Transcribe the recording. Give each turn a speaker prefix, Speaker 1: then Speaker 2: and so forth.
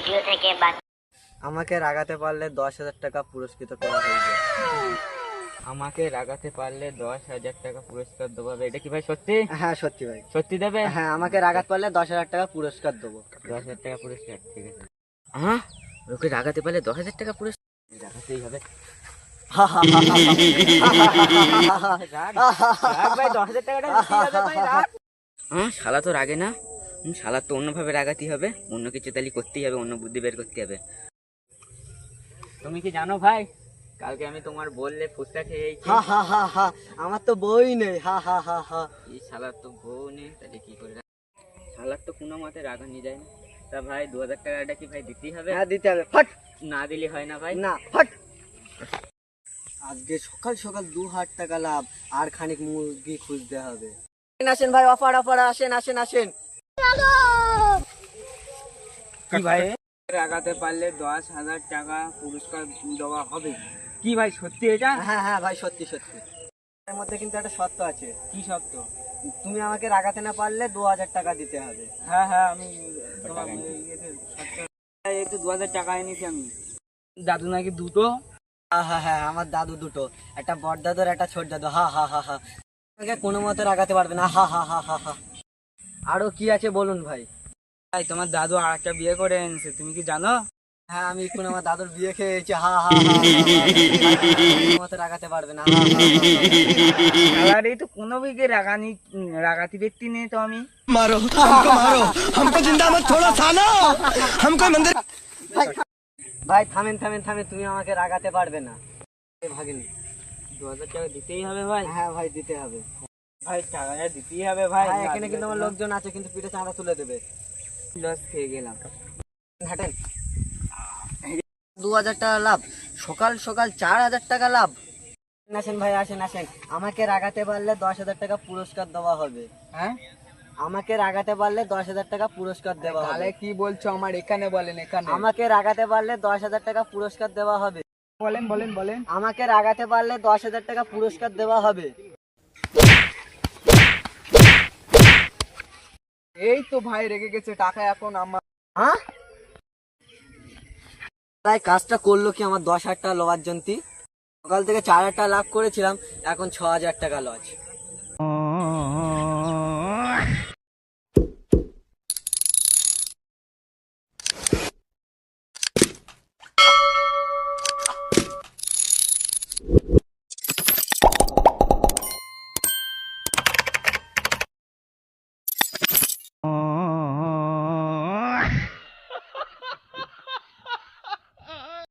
Speaker 1: Video থেকে
Speaker 2: আমাকে রাগাতে পারলে 10,000 টাকা পুরস্কৃত করা হয়েছে।
Speaker 3: আমাকে রাগাতে পারলে 10,000 টাকা পুরস্কার দেবো। এটা কি ভাই সত্যি?
Speaker 2: হ্যাঁ সত্যি ভাই,
Speaker 3: সত্যি দেবে?
Speaker 2: হ্যাঁ আমাকে রাগাতে পারলে 10,000 টাকা পুরস্কার দেবো।
Speaker 3: 10,000 টাকা পুরস্কার, ঠিক আছে। হ্যাঁ, ওকে রাগাতে পারলে 10,000 টাকা পুরস্কার রাগাতেই হবে। ভাই 10,000 টাকাটা দিতেই হবে ভাই, রাগ। হ্যাঁ, শালা তো রাগে না। শালা তো অন্যভাবে রাগাতেই হবে, অন্য কিছু তাহলে করতেই হবে, অন্য বুদ্ধি বের করতে হবে। তুমি কি জানো ভাই, কালকে আমি তোমার বললে ফুচকা খেয়েছি।
Speaker 2: আমার তো বই নেই।
Speaker 3: এই শালার তো বউ নেই, তাহলে কি করে? শালার তো কোনো মতে রাগানি যায় না। তা ভাই 2,000 টাকাটা কি ভাই দিতেই হবে?
Speaker 2: হ্যাঁ দিতে হবে, ফট।
Speaker 3: না দিলে হয় না ভাই।
Speaker 2: না, ফট। আজকে সকাল সকাল 2,000 টাকা লাভ, আর খানিক মুরগি খুঁজতে হবে। আসেন ভাই, অফার অফার, আসেন আসেন আসেন।
Speaker 3: কি ভাই, রাগাতে পারলে 10,000 টাকা পুরস্কার দেওয়া হবে? কি ভাই সত্যি এটা?
Speaker 2: হ্যাঁ হ্যাঁ ভাই, সত্যি সত্যি। এর মধ্যে কিন্তু একটা শর্ত আছে।
Speaker 3: কি শর্ত?
Speaker 2: তুমি আমাকে রাগাতে না পারলে 2,000 টাকা দিতে হবে।
Speaker 3: হ্যাঁ হ্যাঁ, আমি তোমার এই তো 2,000 টাকা এনেছি আমি। দাদু নাকি দুটো?
Speaker 2: হ্যাঁ, আমার দাদু দুটো, একটা বড় দাদু আর একটা ছোট দাদু। আমাকে কোনো মতে রাগাতে পারবে না। আরো কি আছে বলুন ভাই।
Speaker 3: ভাই তোমার দাদু আর একটা বিয়ে করে এনেছে, তুমি কি জানো?
Speaker 2: হ্যাঁ, আমি এখন আমার দাদুর বিয়ে খেয়েছি। কোনো মতে রাগাতে পারবে না।
Speaker 3: আর এই তো কোনো বিকে রাগাতি ব্যক্তি নেই তো আমি।
Speaker 4: मारो हमको मारो हमको जिंदा मत छोड़ो सालो हमको मंदिर।
Speaker 2: ভাই থামেন থামেন থামেন, তুমি আমাকে রাগাতে পারবে না। ভাগিনি,
Speaker 3: 2,000 টাকা দিতেই হবে ভাই।
Speaker 2: হ্যাঁ ভাই দিতে হবে।
Speaker 3: ভাই টাকাটা দিতেই হবে ভাই।
Speaker 2: ভাই এখানে কিন্তু আমার লোকজন আছে, কিন্তু পিঠে চাঁদা তুলে দেবে।
Speaker 3: লস খেয়ে গেলাম।
Speaker 2: হাঁটেন। 2,000 টাকা লাভ, সকাল সকাল 4,000 টাকা লাভ। আসেন ভাই, আসেন আসেন। আমাকে রাগাতে পারলে 10,000 টাকা পুরস্কার দেওয়া হবে।
Speaker 3: হ্যাঁ,
Speaker 2: আমাকে রাগাতে পারলে 10,000 টাকা পুরস্কার দেওয়া হবে।
Speaker 3: তাহলে কি বলছো? আমার এখানে বলেন, এখানে
Speaker 2: আমাকে রাগাতে পারলে 10,000 টাকা পুরস্কার দেওয়া হবে।
Speaker 3: বলেন বলেন বলেন।
Speaker 2: আমাকে রাগাতে পারলে 10,000 টাকা পুরস্কার দেওয়া হবে।
Speaker 3: এই তো ভাই রেগে গেছে, টাকা এখন আমার।
Speaker 2: হ্যাঁ, তাই কাজটা করলো কি আমার 10,000 টাকা লওয়ার জন্য। সকাল থেকে 4,000 টাকা লাভ করেছিলাম, এখন 6,000 টাকা লস।